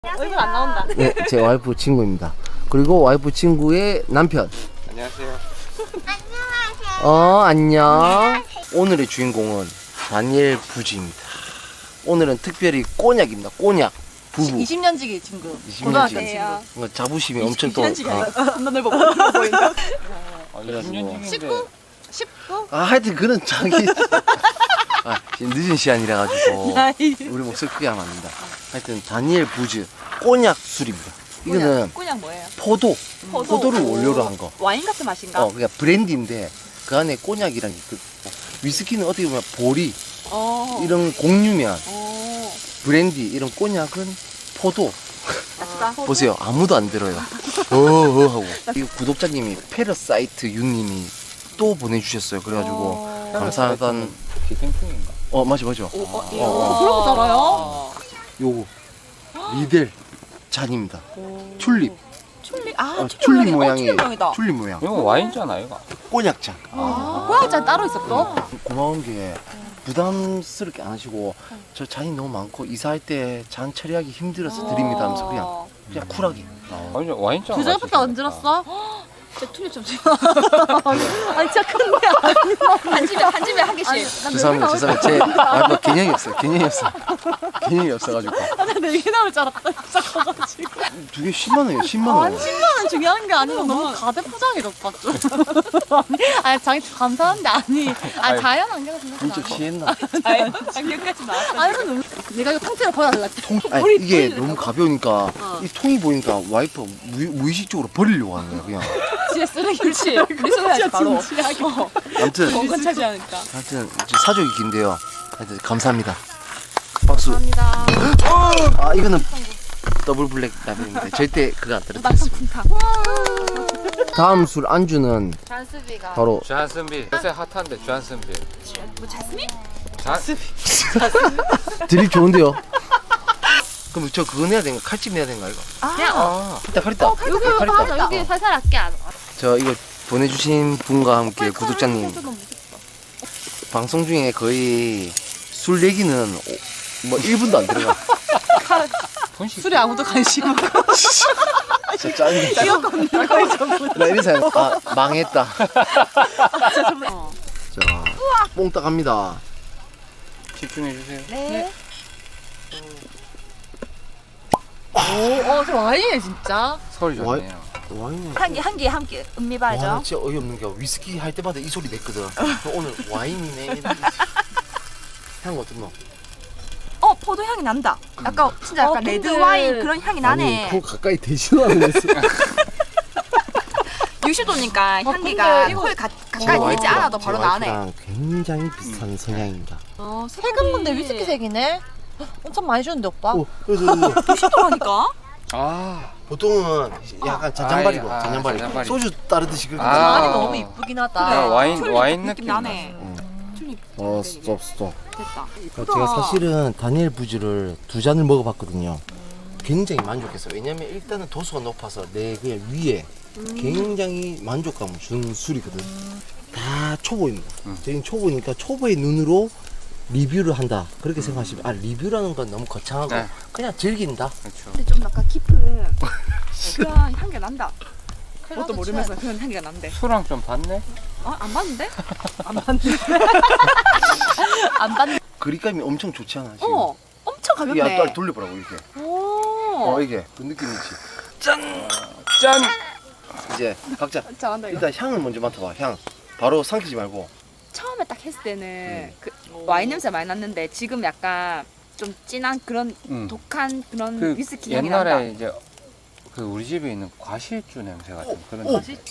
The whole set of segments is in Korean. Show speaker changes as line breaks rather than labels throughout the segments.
얼굴 안 나온다.
네, 제 와이프 친구입니다. 그리고 와이프 친구의 남편.
안녕하세요.
안녕. 오늘의 주인공은 다니엘 부지입니다. 오늘은 특별히 꼬냑입니다. 꼬냑 부부.
20년지기 친구.
20년지기. 뭔가 자부심이 엄청 또.
너 넓어 보인다.
그래가지고.
19? 19?
하여튼 그런 자기. 지금 늦은 시간이라 가지고 우리 목소리 크게 하면 안 된다. 하여튼 다니엘 부즈 꼬냑 술입니다. 이거는
꼬냑 뭐예요?
포도를 원료로 한 거.
와인 같은 맛인가?
그러니까 브랜디인데 그 안에 꼬냑이란 게 있고, 위스키는 어떻게 보면 보리 이런 곡류면 브랜디 이런 꼬냑은 포도. 보세요, 아무도 안 들어요. 하고 이 구독자님이 페러사이트 윤님이 또 보내주셨어요. 그래가지고 감사하단.
기생충인가?
맞아.
그런 거 알아요?
요거 리델 잔입니다. 튤립.
튤립?
튤립 모양이.
모양이다.
튤립 모양.
이거 와인잖아 이거.
꼬냑 잔.
고양이잔 따로 있었어?
고마운 게 부담스럽게 안 하시고 저 잔이 너무 많고 이사할 때 잔 처리하기 힘들어서 드립니다 하면서 그냥 쿨하게.
완전 와인잖아.
두 잔밖에 안 들었어? 진짜 튤립 좀 아니 진짜 큰데 한 집에 한 개씩.
죄송합니다. 제 와이프 개념이 없어가지고.
나 4개 나올 줄 알았다. 진짜 커가지고.
두 개 10만 원이에요. 10만 원.
10만원 중요한 게 아니고 너무 가대포장이다 오빠 좀. 아니 자기 감사한데 자연 안경을
진짜 취했나?
자연 안경까지 나왔어. 아니 근데 내가 이거 통째로 버려달라.
이게 너무 가벼우니까 이 통이 보니까 와이프 무의식적으로 버리려고 하는 거야 그냥.
진짜 쓰레기를 리소해야지 바로.
아무튼
공간 차지하니까.
하여튼 사족이 긴데요. 하여튼 감사합니다. 박수.
감사합니다.
이거는 더블 블랙 라벨입니다. 절대 그거 안 떨어뜨렸습니다. 다음 술 안주는
잔스비가.
바로
주한슨빌. 요새 핫한데 주한슨빌.
뭐 자스민?
드립 좋은데요. 그럼 저 그거 내야 되는가? 칼집 내야 되는가 이거? 칼 있다.
여기 살살 할게 안.
저 이거 보내주신 분과 함께 구독자님 방송 중에 거의 술 얘기는 뭐 1분도 안 들어가.
술에 아무도 관심 없고.
진짜 짜증나. 나 이런 사람 망했다. 자, 뽕딱 합니다.
집중해 주세요.
네. 저 와인이네 진짜.
소리 좋네요.
와인이
한개 음미 봐야죠.
와, 나 진짜 어이없는 게 위스키 할 때마다 이 소리 냈거든. 오늘 와인이네. 향 어떻노?
포도 향이 난다. 약간 진짜 약간 레드 와인 그런 향이 나네.
아니, 코 가까이 대지도 않았어.
60도니까 향기가
근데
코에 가까이 되지 않아도 바로 나네.
와이프랑 굉장히 비슷한 성향입니다.
색은 근데 위스키색이네. 엄청 많이 주는데 오빠.
그래서
60도라니까.
보통은 약간 잔잔바리고 잔잔바리.
잔잔바리.
소주 따르듯이 그렇게.
잔이 너무 이쁘긴 하다.
와인 느낌
나네.
스톱.
됐다.
제가 사실은 다니엘 부즈를 2잔을 먹어봤거든요. 굉장히 만족했어요. 왜냐면 일단은 도수가 높아서 내 그냥 위에 굉장히 만족감을 준 술이거든. 다 초보입니다. 저희는 초보니까 초보의 눈으로 리뷰를 한다. 그렇게 생각하시면 리뷰라는 건 너무 거창하고
네.
그냥 즐긴다.
그렇죠.
근데 좀 약간 깊은 그런 향기가 난다. 그것도 모르면서 그런 향기가 난대.
술랑 좀 봤네?
안 봤는데?
안 받는.
그립감이 엄청 좋지 않아? 지금?
엄청
이게
가볍네.
빨리 돌려보라고 이렇게. 이게 그 느낌이지. 짠! 이제 각자
잘한다 이거.
일단 향을 먼저 맡아봐. 향. 바로 삼키지 말고.
처음에 딱 했을 때는 그 와인 냄새 많이 났는데 지금 약간 좀 진한 그런 독한 그런
그
위스키 향이 난다.
옛날에 이제 그 우리 집에 있는 과실주 냄새 같은 그런
오!
냄새.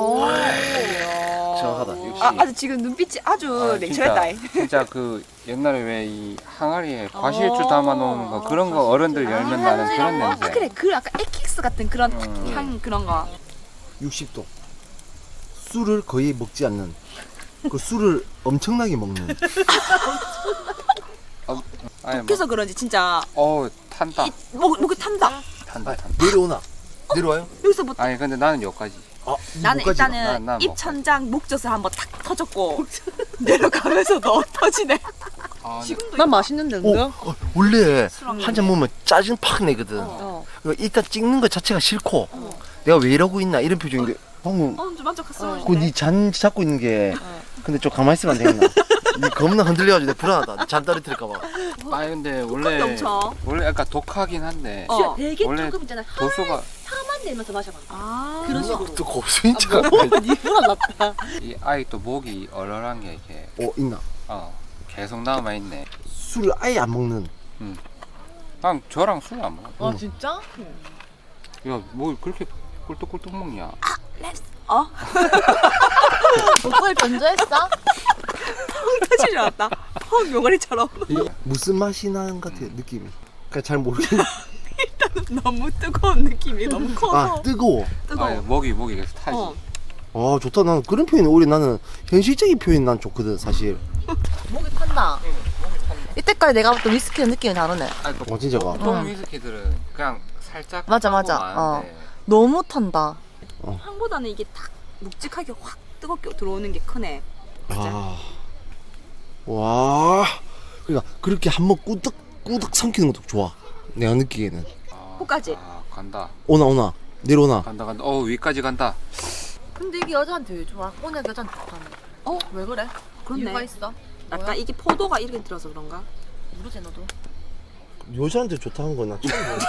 정확하다. 역시.
아주 지금 눈빛이 아주 냉철했다.
진짜 그 옛날에 왜 이 항아리에 과실주 담아 놓는 거 그런 거 어른들 열면 나는 그런 냄새.
그래 그 약간 에킥스 같은 그런 향 그런 거.
60도. 술을 거의 먹지 않는. 그 술을 엄청나게 먹는.
아니,
독해서 그런지 진짜
탄다.
목이 탄다.
탄다.
내려오나? 내려와요?
여기서부터
아니 근데 나는 여기까지.
나는
목까지 가.
일단은
난
입 천장 목젖을 한번 탁 터졌고 내려가면서 너 터지네.
아,
지금도
난 맛있는데 근데.
원래 한 잔 먹으면 짜증 팍 내거든. 일단 찍는 것 자체가 싫고 내가 왜 이러고 있나 이런 표정인데 방금
좀 만족했어.
그 잔 잡고 있는 게 근데 좀 가만히 있으면 안 되겠나? 니 겁나 흔들려가지고 내가 불안하다. 잔 떨어뜨릴까봐.
아 근데 원래 약간 독하긴 한데
되게
원래
조금 있잖아.
도수가
만 내면서 마셔봐.
그런 식으로. 또 고수인자.
니 불안났다.
이 아이 또 목이 얼얼한 게 이렇게
있나?
계속 남아 있네.
술을 아예 안 먹는.
그냥 저랑 술 안 먹어.
진짜?
야, 뭐 그렇게 꿀떡꿀떡 먹냐?
목소리 변조했어?
터지지 않았다. 펑 요가리처럼.
무슨 맛이 나는 것 같아 느낌이. 그러니까 잘 모르겠네.
너무 뜨거운 느낌이 너무 커서.
뜨거워.
아, 목이 계속 타지.
좋다. 나는 그런 표현이 오히려 나는 현실적인 표현 난 좋거든 사실.
목이 탄다. 이때까지 내가 봤던 위스키의 느낌이 다르네.
진짜가.
보통 위스키들은 그냥 살짝
맞아.
많은데
너무 탄다.
향보다는 이게 딱 묵직하게 확 뜨겁게 들어오는 게 크네.
와. 그러니까 그렇게 한번 꾸덕 삼키는 것도 좋아. 내가 느끼기에는.
코까지.
간다.
오나 내려오나.
간다. 위까지 간다.
근데 이게 여자한테 왜 좋아? 꼬냑 여자한테 좋다는. 왜 그래?
그렇네.
이유가 있어?
약간
뭐야?
이게 포도가 이렇게 들어서 그런가?
모르지 너도.
여자한테 좋다는 건 나 처음 보는데.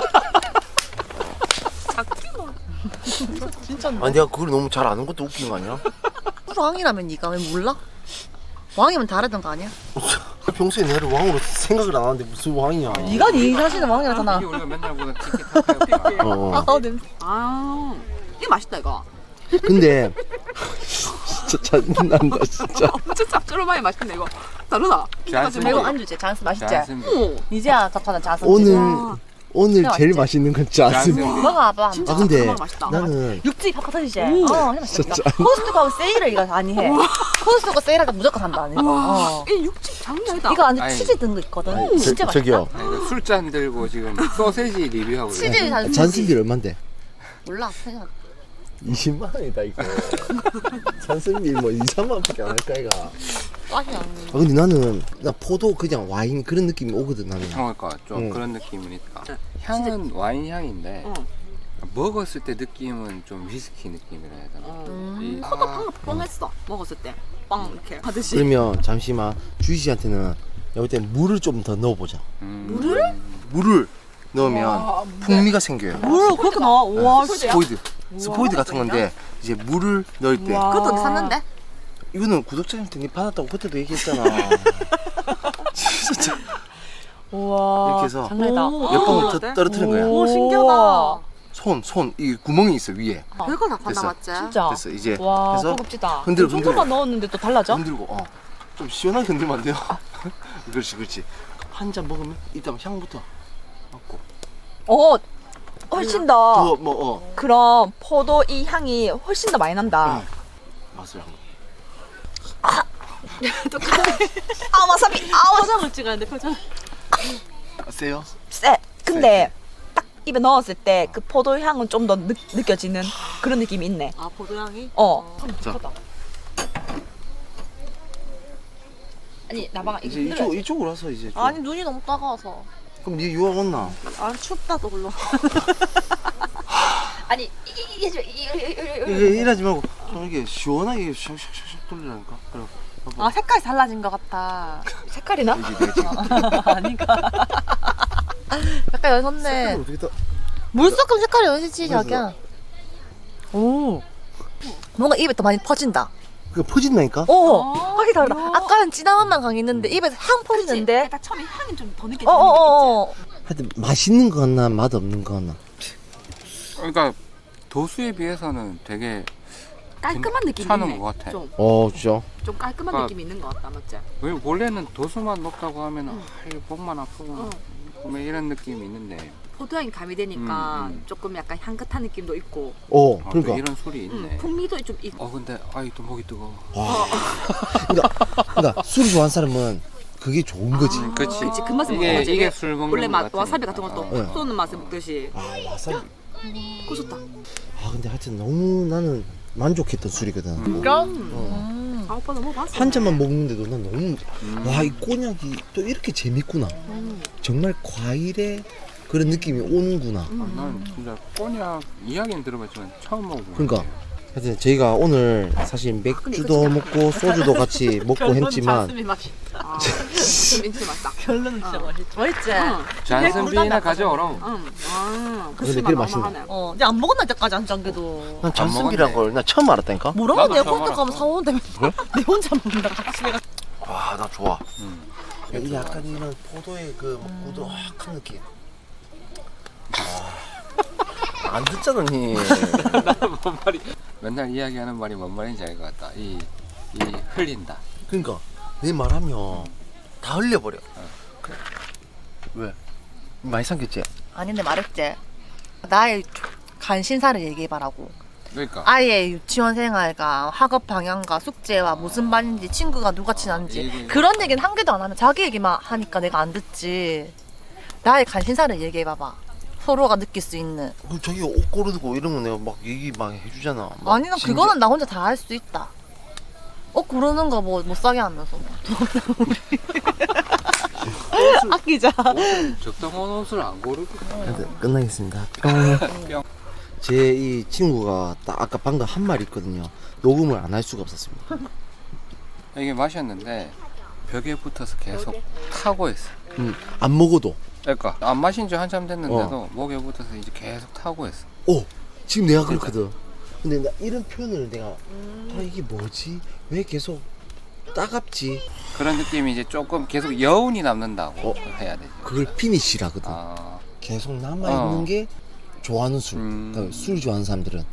진짜.
내가 그걸 너무 잘 아는 것도 웃긴 거 아니야?
왕이라면 니가 왜 몰라? 왕이면 다르던 거 아니야?
평소에 내를 왕으로 생각을 안 하는데 무슨 왕이야?
니가 니 자신은 왕이라잖아.
이게 우리가 맨날 보는 티키타카였구나.
냄새.
이게 맛있다 이거.
근데 진짜 짜증난다 진짜.
진짜 짭조름하게 맛있네 이거. 다르다.
잔슨
이거 안주지? 잔스 맛있지?
잔슨
이제야 접하는 잔스.
오늘 제일
맛있지?
맛있는 건 짜증.
먹어봐.
근데
정말 맛있다.
나는
육즙이 팍팍 터지지?
진짜
코스트코 하고 세일을 이거 많이 해. 코스트코 세일할 때 무조건 산다. 이거.
이 육즙 장난 아니다.
이거 안에
아니.
치즈 든 거 있거든. 진짜 맛있다.
저기요.
술잔 들고 지금 소세지 리뷰하고 있네.
치즈 잔스.
잔슨비 얼만데?
몰라. 생각.
20만 원이다 이거. 잔슨비 뭐 2, 3만 원밖에 안 할까 이가.
맛이 안.
근데 나 포도 그냥 와인 그런 느낌이 오거든 나는.
그러니까 좀 그런 느낌이니까. 향은 와인 향인데 먹었을 때 느낌은 좀 위스키 느낌이라 해야 되나?
코도 방금 뻥했어. 먹었을 때. 빵 이렇게 하듯이.
그러면 잠시만 주희 씨한테는 여기 때 물을 좀 더 넣어보자. 물을 넣으면 풍미가 생겨요.
뭘 그렇게 나와? 와,
스포이드 같은 건데 이제 물을 넣을 때
그것도 샀는데?
이거는 구독자님한테 니 받았다고 그때도 얘기했잖아. 진짜
우와.
이렇게 해서
장난이다.
몇 방울 떨어뜨린 거야.
오, 신기하다.
손 이 구멍이 있어 위에.
별걸 다 봤나
됐어.
맞지?
진짜.
됐어 이제
와,
해서
고급지다.
흔들어,
조금만 넣었는데 또 달라져?
흔들고 좀 시원하게 흔들면 안 돼요? 그렇지. 한 잔 먹으면 일단 향부터 맡고.
훨씬 더 그럼 포도 이 향이 훨씬 더 많이 난다.
맛을 한번.
와사비.
표정을 찍어야 돼, 표정.
세요?
쎄. 근데 딱 입에 넣었을 때 그 포도 향은 좀 더 느껴지는 그런 느낌이 있네.
포도향이?
자.
아니 나방아
이제 이쪽으로 와서 이제 좀.
아니, 눈이 너무 따가워서.
그럼 니 유학 왔나?
아, 춥다, 또 물론.
아니
이게 이러지 말고 좀 이렇게 시원하게 샥샥샥 돌리라니까. 그래.
아, 색깔이 달라진 것 같다.
색깔이나?
아닌가? 약간 연섰네.
어떻게 다
물 섞으면 색깔이 연시지, 자기야. 오. 뭔가 입에 더 많이 퍼진다.
그 퍼진다니까?
확실히 다르다. 아까는 진한 맛만 강했는데 입에서 향 퍼지는데.
딱 처음에 향이 좀 더 느껴지는
하여튼 맛있는 거 같나 맛 없는 거 같나?
그러니까 도수에 비해서는 되게
깔끔한 느낌이
괜찮은
있네.
것 같아.
진짜?
좀 깔끔한
그러니까
느낌이 있는 것 같다, 맞지?
왜 원래는 도수만 높다고 하면 목만 아프고 뭐 이런 느낌이 있는데
포도향이 가미되니까 조금 약간 향긋한 느낌도 있고
또
그러니까.
이런 술이 있네.
풍미도 좀 있고.
근데 또 목이 뜨거워.
그러니까 술 좋아하는 사람은 그게 좋은 거지.
그치.
그치, 그 맛을 먹는 거지.
이게 술 먹는
원래
것
맛
같으니까.
와사비 같은 것도 쏘는 맛을 먹듯이.
와사비.
고소다.
근데 하여튼 너무 나는 만족했던 술이거든.
오빠 너무 봤어.
한 잔만 먹는데도 난 너무 와 이 꼬냑이 또 이렇게 재밌구나. 정말 과일의 그런 느낌이 오는구나.
난 진짜 꼬냑 이야기는 들어봤지만 처음 먹어보는
그러니까
거예요.
하여튼 저희가 오늘 사실 맥주도 먹고 소주도 같이 먹고 했지만
민트 맛다.
결론은 진짜 맛있지. 맛있지?
잔슨비나 가져오라.
근데 그게 맛있네.
이제 안 먹었나 이때까지 안 짠게도.
난 잔슨비란 걸 나 처음 알았다니까.
뭐라고
나도
내
처음
혼자 가면
알았어.
사오는데 내 혼자 먹는다 같이 내가.
와, 나 좋아. 이 약간 이런 포도의 그 꾸덕한 느낌. 안 듣잖아, 니.
뭔 말이? 맨날 이야기하는 말이 뭔 말인지 알 것 같다. 이 흘린다.
그러니까 내 말하면 다 흘려버려. 왜? 많이 삼켰지?
아닌데 말했지. 나의 간신사를 얘기해봐라고.
그러니까
아예 유치원 생활과 학업 방향과 숙제와 무슨 반인지 친구가 누가 친한지
이게-
그런 얘기는 한 개도 안 하면 자기 얘기만 하니까 내가 안 듣지. 나의 간신사를 얘기해봐봐. 서로가 느낄 수 있는.
그럼 자기 옷 고르고 이런 거 내가 막 얘기 막 해주잖아. 막
아니 난
심지어-
그거는 나 혼자 다 할 수 있다. 고르는 거 뭐 못 사게 하면서 아끼자.
옷을 적당한 옷을 안 고르거든.
하여튼 끝나겠습니다.
뿅.
제 이 친구가 딱 아까 방금 한 말 있거든요. 녹음을 안 할 수가 없었습니다.
이게 마셨는데 벽에 붙어서 계속 타고 있어.
안 먹어도.
그러니까 안 마신 지 한참 됐는데도 목에 붙어서 이제 계속 타고 있어.
오, 지금 내가 그렇거든. 근데 나 이런 표현을 내가 아 이게 뭐지? 왜 계속 따갑지?
그런 느낌이 이제 조금 계속 여운이 남는다고 해야 되죠.
그걸 피니시라거든.
아,
계속 남아 있는 게 좋아하는 술.
음.
그러니까 술 좋아하는 사람들은